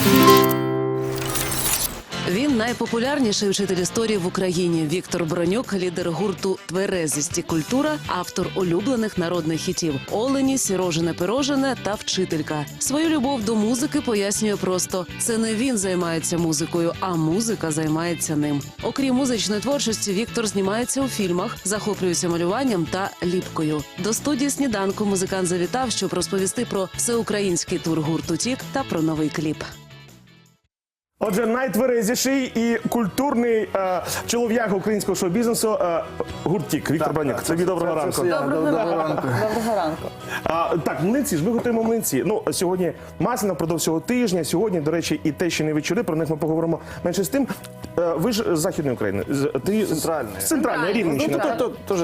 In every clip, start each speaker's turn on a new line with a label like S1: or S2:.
S1: Він найпопулярніший вчитель історії в Україні. Віктор Бронюк – лідер гурту «Тверезість і культура», автор улюблених народних хітів «Олені», «Сірожене пирожене» та «Вчителька». Свою любов до музики пояснює просто – це не він займається музикою, а музика займається ним. Окрім музичної творчості, Віктор знімається у фільмах, захоплюється малюванням та ліпкою. До студії «Сніданку» музикант завітав, щоб розповісти про всеукраїнський тур гурту «Тік» та про новий кліп.
S2: Отже, найтверезіший і культурний чолов'яга українського шоу-бізнесу гурт «Тік». Віктор Бронюк. Тобі доброго ранку.
S3: Доброго ранку. Доброго ранку.
S2: Так, млинці ж, ми готуємо млинці. Ну, сьогодні Масляна, впродовж цього тижня. Сьогодні, до речі, і те, що не вечори, про них ми поговоримо менше з тим. Ви ж з Західної України. Ти
S4: Центральної.
S2: Центральної, Рівненщина.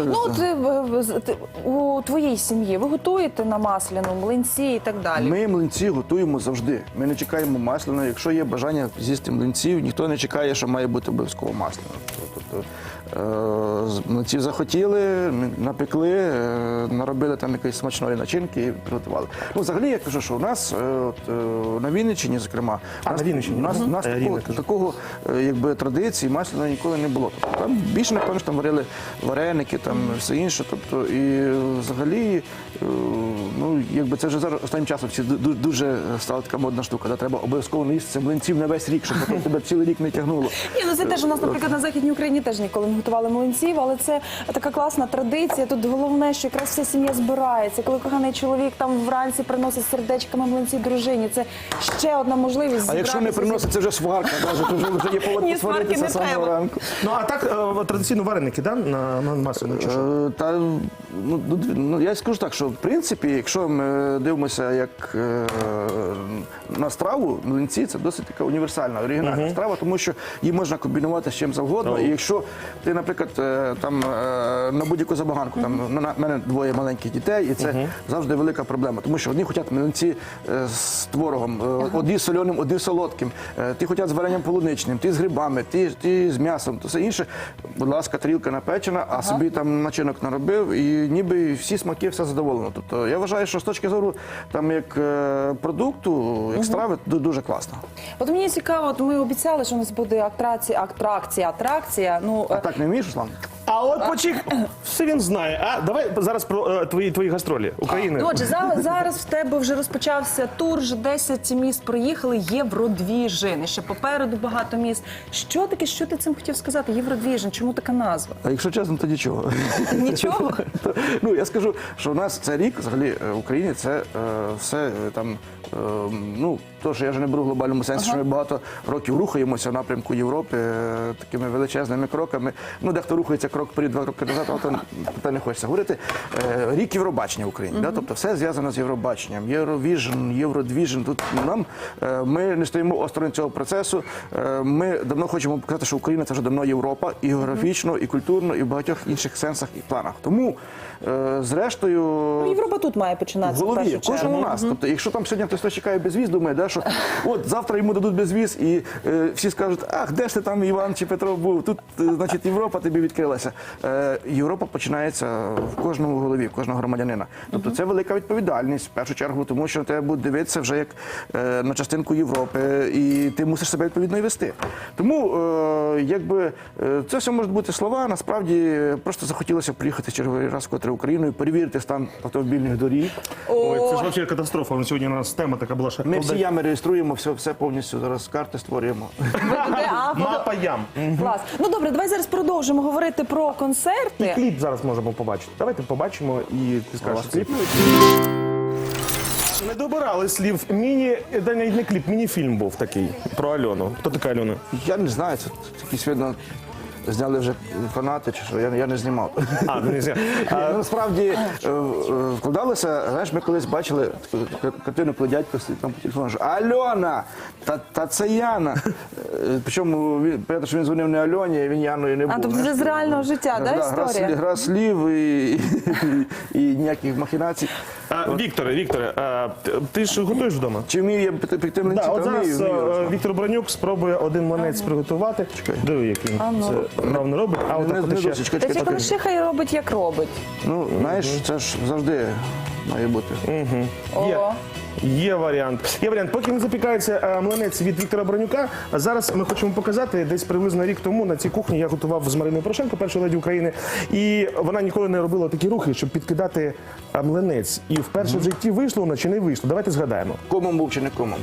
S3: У твоїй сім'ї ви готуєте на Масляну млинці і так далі?
S4: Ми млинці готуємо завжди. Ми не чекаємо масляну. Якщо є бажання з'їсти млинців, ніхто не чекає, що має бути обов'язково масляно. Тобто млинців захотіли, напекли, наробили там якоїсь смачної начинки і приготували. Ну, взагалі, я кажу, що у нас на Вінниччині, зокрема, у нас такого якби традиції масляної ніколи не було. Тобто, там більше, напевно, там варили вареники, там все інше. Тобто, і взагалі, ну, якби це вже зараз останнім часом дуже стала така модна штука. Треба обов'язково наїсти млинців на весь рік, щоб потім тебе цілий рік не тягнуло.
S3: Ні, ну це теж у нас, наприклад, на Західній Україні теж ніколи не готували млинців, але це така класна традиція. Тут головне, що якраз вся сім'я збирається. Коли коханий чоловік там вранці приносить сердечками млинці дружині, це ще одна можливість зібратися.
S4: А якщо не приносить, це вже сварка, то вже є повод посваритися самого ранку.
S2: Ну, а так, традиційно вареники, так, на масляну чи що?
S4: Я скажу так, що в принципі, якщо ми дивимося як на страву, млинці – це досить така універсальна, оригінальна страва, тому що її можна комбінувати з чим завгодно. І якщо ти, наприклад, там на будь-яку забаганку, там в мене двоє маленьких дітей, і це завжди велика проблема, тому що одні хочуть млинці з творогом, одні з соленим, одні з солодким, ті хочуть з варенням полуничним, ті з грибами, ті з м'ясом, то все інше. Будь ласка, тарілка напечена, а собі там начинок наробив, і ніби всі смаки, все задоволено. Тобто я вважаю, що з точки зору там як продукту, як страви, дуже класно.
S3: От мені цікаво, от ми обіцяли, що у нас буде атракція. Ну,
S4: А так не вмієш, Руслан?
S2: А от почек, все він знає. А давай зараз про твої гастролі України.
S3: Отже, зараз в тебе вже розпочався тур, вже 10 міст проїхали, Євродвіжин. І ще попереду багато міст. Що таке, що ти цим хотів сказати? Євродвіжин, чому така назва?
S4: А якщо чесно, то нічого.
S3: Нічого?
S4: Ну, я скажу, що у нас цей рік, взагалі, в Україні це все там, ну, то, що я вже не беру в глобальному сенсі, що ми багато років рухаємося в напрямку Європи такими величезними кроками. Ну, дехто рухається крок вперед, 2 кроки назад, але про не хочеться говорити. Рік Євробачення в Україні, тобто все зв'язано з Євробаченням. Євровіжн, Євродвіжн. Тут ми не стоїмо осторонь цього процесу. Ми давно хочемо показати, що Україна – це вже давно Європа, і географічно, і культурно, і в багатьох інших сенсах і планах. Тому, зрештою...
S3: Ну, Європа тут має починатися в першу чергу.
S4: Кожен у нас. Тобто, якщо там сьогодні хтось чекає безвіз, думає, що от завтра йому дадуть безвіз, і всі скажуть, ах, де ж ти там, Іван чи Петро, був? Тут, значить, Європа тобі відкрилася. Європа починається в кожному голові, в кожного громадянина. Тобто це велика відповідальність, в першу чергу, тому що тебе будуть дивитися вже як на частинку Європи, і ти мусиш себе відповідно і вести. Тому, якби, це все можуть бути слова, насправді, просто захотілося приїхати черговий раз вкотре Україною, перевірити стан автомобільних доріг.
S2: Ой, це ж взагалі катастрофа. Сьогодні у нас тема така була, що...
S4: Ми всі ями реєструємо, все повністю, зараз карти створюємо.
S2: Мапа ям.
S3: Клас. Ну добре, давай зараз продовжимо говорити про концерти.
S2: І кліп зараз можемо побачити. Давайте побачимо і ти скажеш кліп. Не добирали слів. Навіть не кліп, міні-фільм був такий про Альону. Хто така Альона?
S4: Я не знаю, це якісь, видно, зняли вже фанати, чи що, я не знімав.
S2: Не знаю.
S4: Насправді, вкладалося, знаєш, ми колись бачили таку картину, коли дядько там по телефону, що Альона, та це Яна. Причому, понятно, що він дзвонив не Альоні, він Яною не був.
S3: А, тобто це з реального життя, да, історія?
S4: Гра слів і ніяких махінацій.
S2: Вікторе, ти ж готуєш вдома?
S4: Чи вмію я пекти млинці?
S2: От зараз Віктор Бронюк спробує один млинець приготувати. Диви, як він це правильно робить. А от ще...
S3: Та коли ще хай робить, як робить.
S4: Ну, знаєш, це ж завжди має бути.
S3: О,
S2: Є варіант. Є варіант. Поки не запікається млинець від Віктора Бронюка, зараз ми хочемо показати, десь приблизно рік тому на цій кухні я готував з Мариною Порошенко, першою леді України, і вона ніколи не робила такі рухи, щоб підкидати млинець. І вперше в житті вийшло вона чи не вийшло? Давайте згадаємо.
S4: Комом був чи не комом?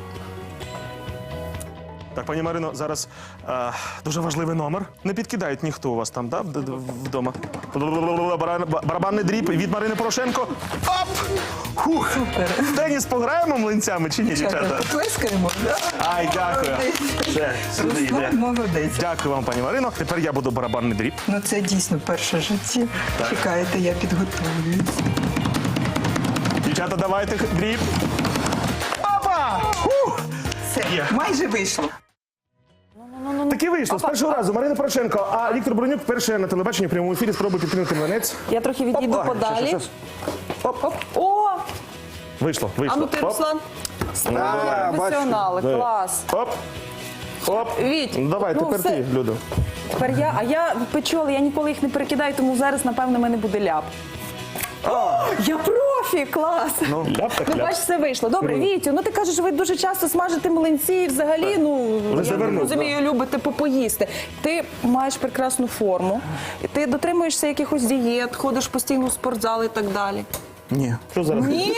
S2: Так, пані Марино, зараз дуже важливий номер. Не підкидають ніхто у вас там, да, вдома? Барабанний дріб від Марини Порошенко. Оп! Хух! В теніс пограємо млинцями чи ні, дівчата?
S5: Плескаємо, так?
S2: Ай, дякую. Все, сюди йде.
S5: Молодець.
S2: Дякую вам, пані Марино. Тепер я буду барабанний дріб.
S5: Ну це дійсно перше життя. Чекайте, я підготовлююсь.
S2: Дівчата, давайте дріб. Опа! Хух!
S5: Все,
S2: Є.
S5: майже вийшло.
S2: Таки вийшло з першого разу. Марина Порошенко, а Віктор Бронюк вперше на телебаченні в прямому ефірі спробує підкинути млинець.
S3: Я трохи відійду подалі.
S4: Щас.
S3: О,
S2: Вийшло,
S3: а
S2: вийшло.
S3: ну ти,
S2: Оп.
S3: Руслан. Справді
S4: Да,
S3: професіонали,
S2: бачите.
S3: клас.
S2: Оп. Оп.
S3: Віть,
S2: Ну, давай,
S3: ну,
S2: тепер
S3: все.
S2: ти, Людо.
S3: Тепер я, а я печу, але я ніколи їх не перекидаю, тому зараз, напевно, в мене буде ляп. Я профі, клас!
S2: Ляп так
S3: Ну,
S2: ляп.
S3: бач, все вийшло. Добре, Вітю, ну ти кажеш, ви дуже часто смажите млинці і взагалі, ну, я
S2: завернув,
S3: розумію, любите попоїсти. Ти маєш прекрасну форму, ти дотримуєшся якихось дієт, ходиш постійно в спортзал і так далі.
S4: Ні.
S2: Що зараз?
S3: Ні?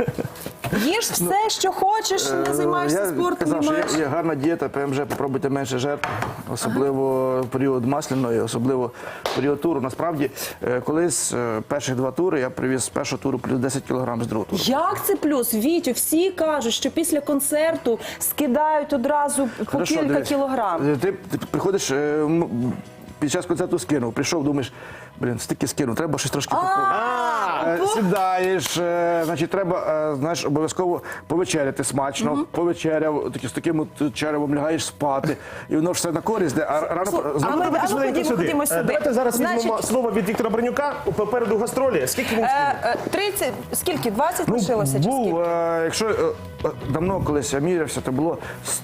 S3: Їж все, що хочеш, не займаєшся
S4: Я
S3: спортом,
S4: казав,
S3: не
S4: що
S3: маєш.
S4: є гарна дієта, ПМЖ, попробуйте менше жертв, особливо в період масляної, особливо в період туру. Насправді, колись перших 2 тури я привіз з першого туру плюс 10 кг з другого туру.
S3: Як це плюс? Вітю, всі кажуть, що після концерту скидають одразу по
S4: Хорошо,
S3: кілька
S4: дивись.
S3: кілограм.
S4: Ти приходиш, під час концерту скинув, прийшов, думаєш, блін, стільки скинув, треба щось трошки поповнити. Сідаєш, значить, треба, знаєш, обов'язково повечеряти смачно, повечеряв, з таким от черевом лягаєш спати, і воно ж все на користь, а рано...
S3: А ми
S2: Давайте швиденько
S3: ходімо сюди.
S2: Давайте зараз
S3: Значить,
S2: візьмемо слово від Віктора Бронюка. Попереду гастролі. Скільки він скинув?
S3: 30, скільки? 20 лишилося? Чи
S4: Був,
S3: скільки?
S4: якщо давно колись я мірявся, то було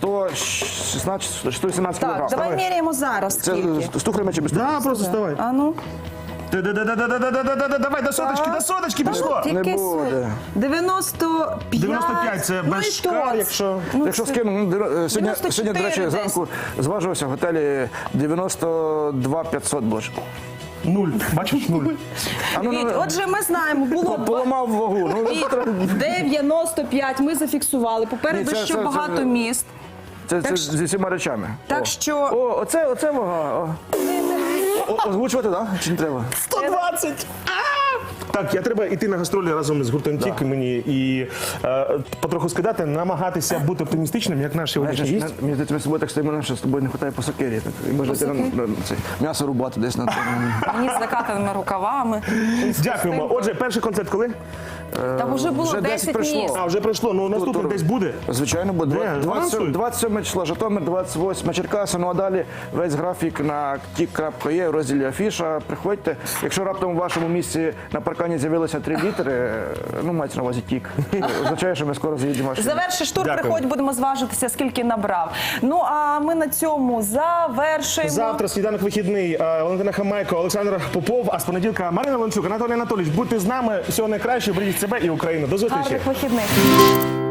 S4: 116, 118
S3: Так,
S4: кілограм.
S3: давай міряємо зараз
S4: Це
S3: скільки.
S4: з тухлями чи без тухлями?
S2: Да, просто вставай.
S3: А ну.
S2: Давай, до соточки пішло.
S3: Який
S4: Не
S3: суть?
S4: буде.
S3: 95.
S2: 95 це
S3: Ну
S2: без
S3: і
S2: шкар,
S3: торт.
S2: якщо...
S3: Ну,
S4: Якщо
S3: це-
S4: скину, сьогодні,
S3: 94
S4: до речі,
S3: десь.
S4: зранку зважувався в готелі 92 500 боже.
S2: Нуль. Бачиш, нуль.
S3: Віть, отже, ми знаємо, було
S4: Поламав вагу. Ну,
S3: Віть, 95, ми зафіксували. Попереду
S4: Ні, це-
S3: ще
S4: це-
S3: багато
S4: це-
S3: міст.
S4: це зі всіма речами.
S3: Так
S4: О.
S3: що-
S4: О, оце вага. Озвучувати, так? Чи не треба?
S2: 120! Так, я треба йти на гастролі разом з гуртом Тік мені і потроху скидати, намагатися бути оптимістичним, як наш сьогоднішній
S4: Знаєш,
S2: гість.
S4: мені здається, ми з собою так стоїмо, що з тобою не вистачає по сокирі. Так, і можна йти на це, м'ясо рубати десь на
S3: Мені з закатаними рукавами.
S2: Дякуємо. Отже, перший концерт коли?
S3: Там вже було
S4: вже
S3: 10
S4: прийшло.
S3: міст.
S2: А, вже прийшло. Ну, наступний десь буде.
S4: Звичайно, буде.
S2: Де?
S4: 27 числа Житомир, 28 Черкаси. Ну а далі весь графік на tik.є в розділі Афіша. Приходьте. Якщо раптом у вашому місці на паркані з'явилося 3 літери, ну мається на увазі тік. Означає, що ми скоро заїдемо. в ваш
S3: Завершиш тур,
S2: Дякую.
S3: приходь, будемо зважитися, скільки набрав. Ну, а ми на цьому завершуємо.
S2: Завтра сніданок вихідний. Валентина Хамайко, Олександр Попов, а з понеділка Марина Ланчук, Анатолій Анатолійович. Будьте з нами. Всього найкращого, бережіть себе і Україну. До зустрічі.
S3: Гарних вихідних.